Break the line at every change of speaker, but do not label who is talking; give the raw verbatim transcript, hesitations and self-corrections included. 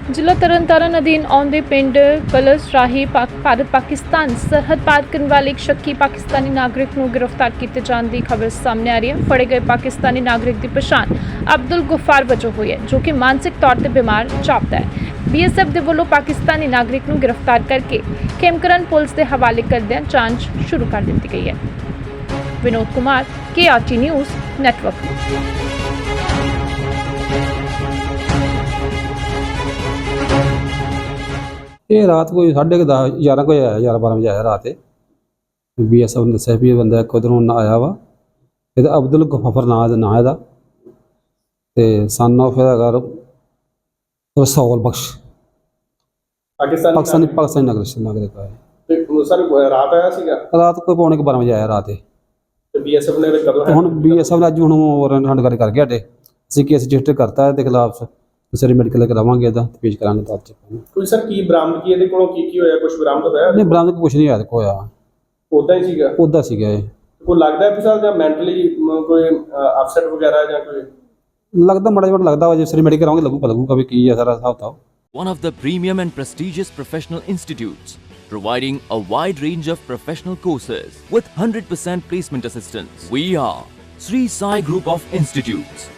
ਜ਼ਿਲ੍ਹਾ ਤਰਨਤਾਰਨ ਅਧੀਨ ਆਉਂਦੇ ਪਿੰਡ ਕਲਸ ਰਾਹੀ ਪਾਕ ਭਾਰਤ ਪਾਕਿਸਤਾਨ ਸਰਹੱਦ ਪਾਰ ਕਰਨ ਵਾਲੇ ਇੱਕ ਸ਼ੱਕੀ ਪਾਕਿਸਤਾਨੀ ਨਾਗਰਿਕ ਨੂੰ ਗ੍ਰਿਫਤਾਰ ਕੀਤੇ ਜਾਣ ਦੀ ਖਬਰ ਸਾਹਮਣੇ ਆ ਰਹੀ ਹੈ। ਫੜੇ ਗਏ ਪਾਕਿਸਤਾਨੀ ਨਾਗਰਿਕ ਦੀ ਪਛਾਣ ਅਬਦੁਲ ਗੁਫਾਰ ਵਜੋਂ ਹੋਈ ਹੈ, ਜੋ ਕਿ ਮਾਨਸਿਕ ਤੌਰ ਤੇ ਬਿਮਾਰ ਜਾਪਦਾ ਹੈ। ਬੀ ਐਸ ਐਫ ਦੇ ਵੱਲੋਂ ਪਾਕਿਸਤਾਨੀ ਨਾਗਰਿਕ ਨੂੰ ਗ੍ਰਿਫਤਾਰ ਕਰਕੇ ਖੇਮਕਰਨ ਪੁਲਿਸ ਦੇ ਹਵਾਲੇ ਕਰਦਿਆਂ ਜਾਂਚ ਸ਼ੁਰੂ ਕਰ ਦਿੱਤੀ ਗਈ ਹੈ। Vinod Kumar, K R T news network.
ਇਹ ਰਾਤ ਕੋਈ ਸਾਢੇ ਕੁ ਦਸ ਗਿਆਰਾਂ ਕੁ ਵਜੇ ਆਇਆ, ਗਿਆਰਾਂ ਬਾਰਾਂ ਵਜੇ ਆਇਆ ਰਾਤ। ਇਹ ਬੀ ਐਸ ਐਫ ਨੇ ਦੱਸਿਆ ਵੀ ਇਹ ਬੰਦਾ ਇੱਕ ਉੱਧਰੋਂ ਆਇਆ ਵਾ। ਇਹਦਾ ਅਬਦੁਲ ਗਫਾਰ ਨਾਂ ਦਾ ਨਾਂ ਇਹਦਾ, ਤੇ ਸਨ ਆਫ ਇਹਦਾ ਘਰ ਰਸੌਲ ਬਖਸ਼
ਪਾਕਿਸਤਾਨੀ
ਪਾਕਿਸਤਾਨੀ ਪਾਕਿਸਤਾਨੀ ਨਾਗਰਿਕ ਨਾਗਰਿਕ ਹੈ।
ਤੇ ਸਰ ਰਾਤ ਆਇਆ ਸੀਗਾ,
ਰਾਤ ਕੋਈ ਪੌਣੇ ਕੁ ਬਾਰਾਂ ਵਜੇ ਆਇਆ ਰਾਤ ਇਹ।
ਤੇ ਬੀਐਸਐਫ ਨੇ ਕਦੋਂ
ਤੇ ਹੁਣ ਬੀ ਐਸ ਐਫ ਨੇ ਅੱਜ ਹੁਣ ਵਾਰੰਟ ਹੰਡ ਕਰ ਕਰ ਗਿਆ ਸਾਡੇ। ਅਸੀਂ ਕੇਸ ਰਜਿਸਟਰ ਕਰਤਾ ਇਹਦੇ ਖਿਲਾਫ, ਸਰੀ ਮੈਡੀਕਲ ਕਰਾਵਾਂਗੇ ਇਹਦਾ ਤੇ ਪੇਸ਼ ਕਰਾਂਗੇ ਬਾਅਦ ਚ।
ਕੋਈ ਸਰ ਕੀ ਬਰਾਮਦ ਕੀ ਇਹਦੇ ਕੋਲੋਂ ਕੀ ਕੀ ਹੋਇਆ, ਕੁਝ ਬਰਾਮਦ ਹੋਇਆ?
ਨਹੀਂ, ਬਰਾਮਦ ਕੁਛ ਨਹੀਂ ਹੋਇਆ, ਹੋਇਆ
ਉਦਾਂ ਹੀ ਸੀਗਾ,
ਉੱਦਾਂ ਸੀਗਾ ਇਹ।
ਕੋਈ ਲੱਗਦਾ ਵੀ ਸਰ ਜਾਂ ਮੈਂਟਲੀ ਕੋਈ ਅਪਸੈਟ ਵਗੈਰਾ ਜਾਂ ਕੋਈ
ਲੱਗਦਾ ਮਾੜਾ ਜਿਹਾ ਲੱਗਦਾ ਵਾ, ਜੇ ਸਰੀ ਮੈਡੀਕਲ ਕਰਾਵਾਂਗੇ ਲੱਗੂ ਪਤਾ ਲੱਗੂਗਾ ਵੀ ਕੀ ਹੈ ਸਾਰਾ ਹਿਸਾਬ ਕਿਤਾਬ।
One of the premium and prestigious professional institutes, providing a wide range of professional courses with one hundred percent placement assistance. We are Sri Sai Group of Institutes.